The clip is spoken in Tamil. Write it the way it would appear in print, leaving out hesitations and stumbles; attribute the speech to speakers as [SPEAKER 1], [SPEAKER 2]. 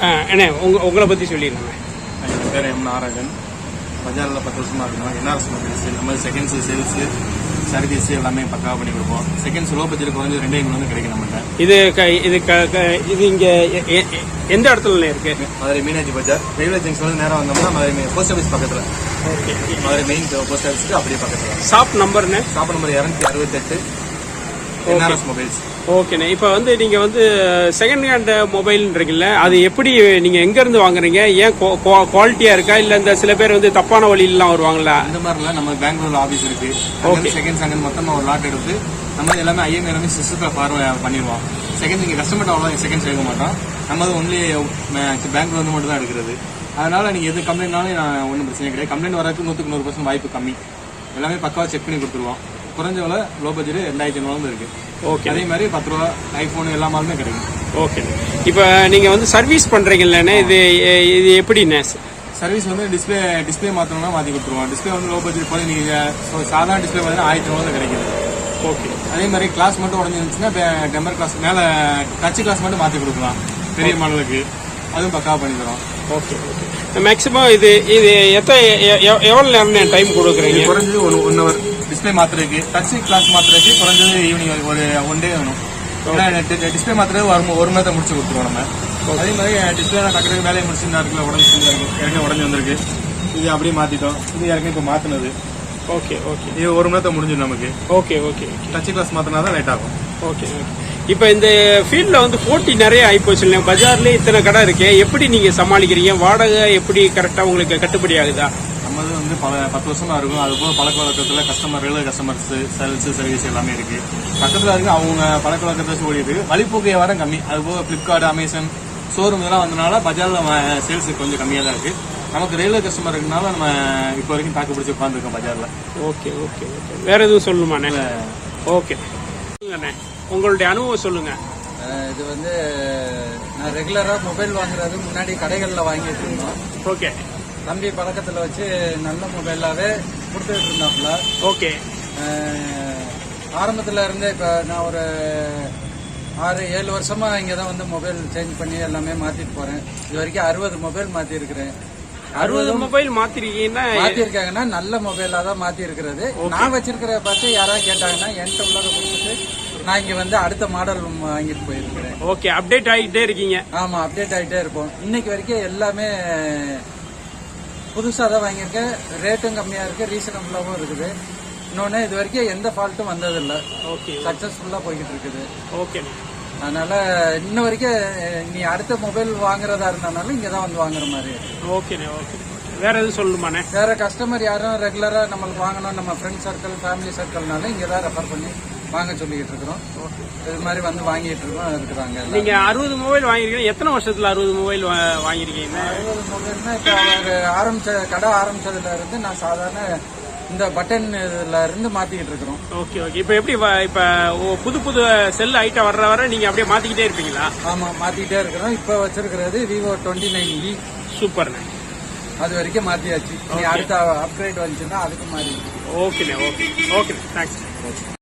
[SPEAKER 1] அண்ணே உங்களை பற்றி சொல்லிடுங்க.
[SPEAKER 2] என் பேர் எம் நாராயணன். பஜாரில் 10 வருஷமாக இருக்கணும். என்ஆர்எஸ் மொபைல்ஸ் இந்த மாதிரி செகண்ட்ஸு சேல்ஸு சர்வீஸ் எல்லாமே பக்காவாக பண்ணி கொடுப்போம். செகண்ட்ஸ் லோ பட்ஜெட் குறைஞ்சு 2 எங்களுக்கு கிடைக்கும் நம்மகிட்ட.
[SPEAKER 1] இது இங்கே எந்த இடத்துல இருக்கு?
[SPEAKER 2] மதுரை மீனாட்சி பஜார் ரயில்வே ஜங்ஷன் நேரம் வந்தோம்னா மதுரை போஸ்ட் ஆஃபீஸ் பக்கத்தில்.
[SPEAKER 1] ஓகே,
[SPEAKER 2] மதுரை மெயின் போஸ்ட் ஆஃபீஸ்க்கு அப்படியே பக்கத்தில்.
[SPEAKER 1] ஷாப் நம்பர்னு?
[SPEAKER 2] Shop number 268 NRS mobiles.
[SPEAKER 1] ஓகேண்ணே. இப்போ நீங்கள் செகண்ட் ஹேண்ட் மொபைல்ன்றீங்கல்ல, அது எப்படி நீங்கள் எங்கேருந்து வாங்குறீங்க? ஏன் குவாலிட்டியாக இருக்கா, இல்லை இந்த சில பேர் தப்பான வழியிலாம் வருவாங்களா?
[SPEAKER 2] இந்த மாதிரிலாம் நம்ம பெங்களூர் ஆஃபீஸ் இருக்கு. செகண்ட்ஸ் அங்கே மொத்தமாக ஒரு லாட் எடுத்து நம்ம எல்லாமே ஐஎம் எல்லாமே சிஸ்டத்தில் ஃபார்வர்ட் பண்ணிடுவோம். செகண்ட் நீங்கள் கஸ்டமர் அவ்வளோ செகண்ட்ஸ் எடுக்க மாட்டோம். நம்ம ஒன்லி பெங்களூர் மட்டும் தான் எடுக்கிறது. அதனால நீங்கள் எது கம்ப்ளைண்ட்னாலும் நான் ஒன்றும் பிரச்சனை கிடையாது. கம்ப்ளைண்ட் வரதுக்கு 100% வாய்ப்பு கம்மி. எல்லாமே பக்காவாக செக் பண்ணி கொடுத்துருவோம். குறைஞ்ச விலை லோ பட்ஜெட் 2500 இருக்கு. ஓகே, அதே மாதிரி 10 ரூபா ஐபோன் எல்லா மாலுமே கிடைக்கும்.
[SPEAKER 1] ஓகே, இப்போ நீங்கள் சர்வீஸ் பண்றீங்கல்லண்ணே, இது எப்படிண்ணே
[SPEAKER 2] சர்வீஸ்? டிஸ்பிளே மாற்றணும்னா மாற்றி கொடுத்துருவோம். டிஸ்பிளே லோ பட்ஜெட் போல நீங்கள் சாதாரண டிஸ்பிளே பார்த்தீங்கன்னா 1000 கிடைக்குது. ஓகே, அதே மாதிரி கிளாஸ் மட்டும் உடஞ்சிருந்துச்சுன்னா டெம்பர் கிளாஸ் மேலே டச் கிளாஸ் மட்டும் மாற்றி கொடுக்கலாம். பெரிய மாடலுக்கு அதுவும் பக்காவாக பண்ணி தரோம்.
[SPEAKER 1] ஓகே, மேக்ஸிமம் இது எவ்வளோ நேரம் டைம் கொடுக்குறீங்க?
[SPEAKER 2] குறைஞ்சது 1 ஹவர் டிஸ்பிளே மாத்துறதுக்கு. டச் கிளாஸ் மாத்துறதுக்கு குறைஞ்சது ஈவினிங் ஒரு 1 டே வேணும். டிஸ்பிளே மாத்துறது 1 மணி நேரத்தை முடிச்சு கொடுத்துருவோம் நம்ம. அதே மாதிரி டிஸ்பிளே டக்குறது வேலையை முடிச்சு நேரத்தில் உடஞ்சி வந்திருக்கு. இது அப்படியே மாத்திட்டோம். இது யாருக்கும் இப்போ மாத்தினது.
[SPEAKER 1] ஓகே,
[SPEAKER 2] இது 1 மணி நேரத்தை முடிஞ்சிடும் நமக்கு.
[SPEAKER 1] ஓகே,
[SPEAKER 2] டச் கிளாஸ் மாத்தினா தான் லேட் ஆகும்.
[SPEAKER 1] ஓகே, இப்போ இந்த ஃபீல்டில் போட்டி நிறைய ஆகிப்போச்சு இல்லையா? பஜார்லேயே இத்தனை கடை இருக்கு, எப்படி நீங்கள் சமாளிக்கிறீங்க? வாடகை எப்படி கரெக்டாக உங்களுக்கு கட்டுப்படி ஆகுதா?
[SPEAKER 2] நம்மது 10 வருஷமா இருக்கும். அது போக பழக்க வழக்கத்தில் ரெகுலர் கஸ்டமர்ஸ் சேல்ஸ் சர்வீஸ் எல்லாமே இருக்கு. பக்கத்தில் இருக்கு. அவங்க பழக்க வழக்கத்தை வச்சு ஓடிட்டு வழிபோக்கு வியாபாரம் கம்மி. அது போக பிளிப்கார்ட், அமேசான் ஷோரூம் இதெல்லாம் வந்தனால பஜாரில் சேல்ஸ் கொஞ்சம் கம்மியாக தான் இருக்கு. நமக்கு ரெகுலர் கஸ்டமர் இருக்கனால நம்ம இப்போ வரைக்கும் தாக்கு பிடிச்சி உட்காந்துருக்கோம் பஜாரில்.
[SPEAKER 1] ஓகே, வேற எதுவும் சொல்லுமாண்ணே? ஓகே, உங்களுடைய அனுபவம் சொல்லுங்க.
[SPEAKER 3] இது நான் ரெகுலரா மொபைல் வாங்குறது முன்னாடி கடைகளில் வாங்கிட்டு இருந்தோம்.
[SPEAKER 1] ஓகே,
[SPEAKER 3] தம்பி பழக்கத்தில் வச்சு நல்ல மொபைலாவே கொடுத்துட்டு இருந்தாப்புல.
[SPEAKER 1] ஓகே,
[SPEAKER 3] ஆரம்பத்தில் இருந்தே இப்போ நான் ஒரு 6-7 வருஷமா இங்கே தான் மொபைல் சேஞ்ச் பண்ணி எல்லாமே மாத்திட்டு போறேன். இது வரைக்கும் 60 மொபைல் மாத்தி இருக்கிறேன்.
[SPEAKER 1] 60 மொபைல் மாத்திருக்காங்கன்னா
[SPEAKER 3] நல்ல மொபைலா தான் மாத்தி இருக்கிறது. நான் வச்சிருக்கிற பார்த்து யாராவது கேட்டாங்கன்னா என்கிட்ட உள்ளதை கொடுத்துட்டு நான் இங்க அடுத்த மாடல் வாங்கிட்டு போயிருக்கிறேன்.
[SPEAKER 1] ஓகே, அப்டேட் ஆகிட்டே இருக்கீங்க?
[SPEAKER 3] ஆமா, அப்டேட் ஆகிட்டே இருப்போம். இன்னைக்கு வரைக்கும் எல்லாமே புதுசா தான் வாங்கியிருக்கேன். ரேட்டும் கம்மியா இருக்கு, ரீசனபிளாவும் இருக்குது. இன்னொன்னு இது வரைக்கும் எந்த ஃபால்ட்டும் வந்ததில்லை.
[SPEAKER 1] ஓகே,
[SPEAKER 3] சக்சஸ்ஃபுல்லா போய்கிட்டு இருக்குது.
[SPEAKER 1] ஓகே,
[SPEAKER 3] அதனால இன்ன வரைக்கும் நீ அடுத்த மொபைல் வாங்குறதா இருந்தாலும் இங்கதான் வாங்குற மாதிரி.
[SPEAKER 1] ஓகே, வேற எதுவும் சொல்லுமாண்ணே?
[SPEAKER 3] வேற கஸ்டமர் யாரும் ரெகுலரா நம்மளுக்கு வாங்கணும், நம்ம ஃப்ரெண்ட் சர்க்கிள் ஃபேமிலி சர்க்கிள்னால இங்கதான் ரெஃபர் பண்ணி வாங்க சொல்லிக்கிட்டு இருக்கிறோம். இது மாதிரி வாங்கிட்டு இருக்கோம் இருக்கிறாங்க.
[SPEAKER 1] நீங்க 60 மொபைல் வாங்கிருக்கீங்க. எத்தனை வருஷத்துல 60 மொபைல் வாங்கிருக்கீங்க?
[SPEAKER 3] 60 மொபைல்னா இப்ப அவங்க கடை ஆரம்பிச்சதுல இருந்து நான் சாதாரண இந்த பட்டன் இதுல இருந்து மாத்திக்கிட்டு இருக்கிறோம்.
[SPEAKER 1] ஓகே, இப்ப எப்படி புது செல் ஐட்டம் வர நீங்க அப்படியே மாத்திக்கிட்டே இருப்பீங்களா?
[SPEAKER 3] ஆமா, மாத்திக்கிட்டே இருக்கிறோம். இப்ப வச்சிருக்கிறது Vivo 29E.
[SPEAKER 1] சூப்பர்.
[SPEAKER 3] அது வரைக்கும் மாத்தியாச்சு. அடுத்த அப்கிரேட் வந்துச்சுன்னா அதுக்கு மாறி.
[SPEAKER 1] Okay, thanks.